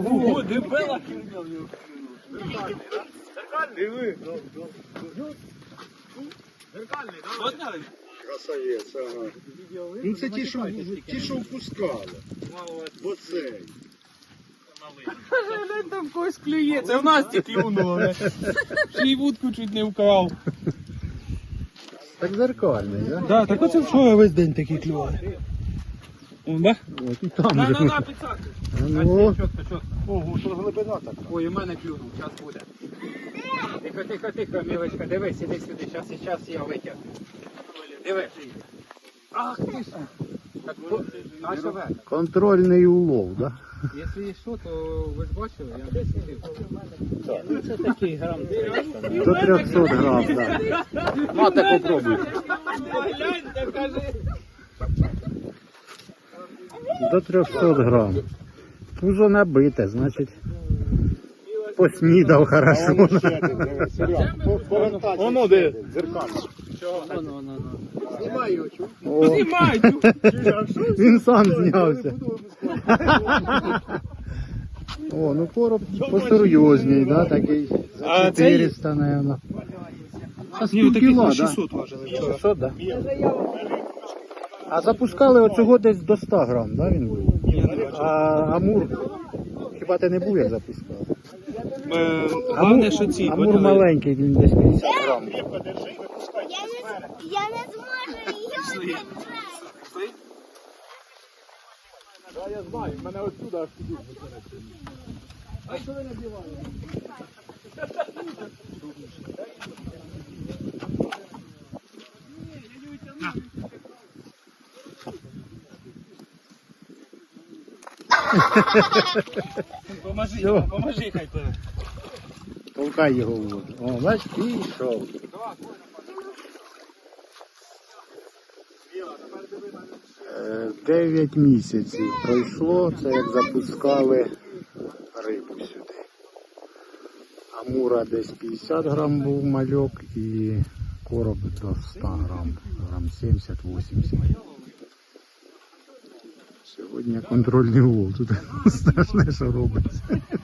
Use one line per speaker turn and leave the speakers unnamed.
Ого, дебела. Диви. Зеркальний, да?
Красавець, ага. Ну це ті, що впускали. Оцей.
Глянь, там когось клює. Це в нас ті клюнуло. Ще й вудку чуть не вкрав.
Так зеркальний, да?
Да, так оце вчора весь день такий клював. Да?
От і там же.
На, підсаку.
Ну,
Чотко.
ого, що глибина така.
Ой, у мене клюнув, час буде. Тихо, мілочка, дивись, іди сюди, зараз я витягну. Диви. Ах ти ж. Так, а що ви?
Контрольний улов, да?
Якщо є що, то ви ж бачили, я не сидів. Ну це такий грам.
До 300 грам, да. Мати попробуй.
Гляньте, кажи.
До 300 грам. Пузо набите, значить поснідав хорошо.
Воно де?
Зеркально.
Воно.
Знімай його, чув?
Знімай!
Він сам знявся. О, ну короб посерйозній, да, такий. За 400, наверное. А
Ні, таких
кіла,
на
да?
600 важили.
600, да? А запускали оцього десь до 100 грам, да, він був? А Амур, хіба ти не був, як запускав?
Головне, що ці.
Амур маленький, він десь 50 грам.
Я не зможу її держати.
Я знаю, мене отсюда аж туди. А що ви набиваєте? Поможи, хай тебе.
Толкай його в воду. О, бач, пішов. 9 місяців пройшло, це як запускали рибу сюди. Амура десь 50 грам був мальок і короб до 100 грам, грам 70-80. Сьогодні контрольний улов, тут страшне, що робиться.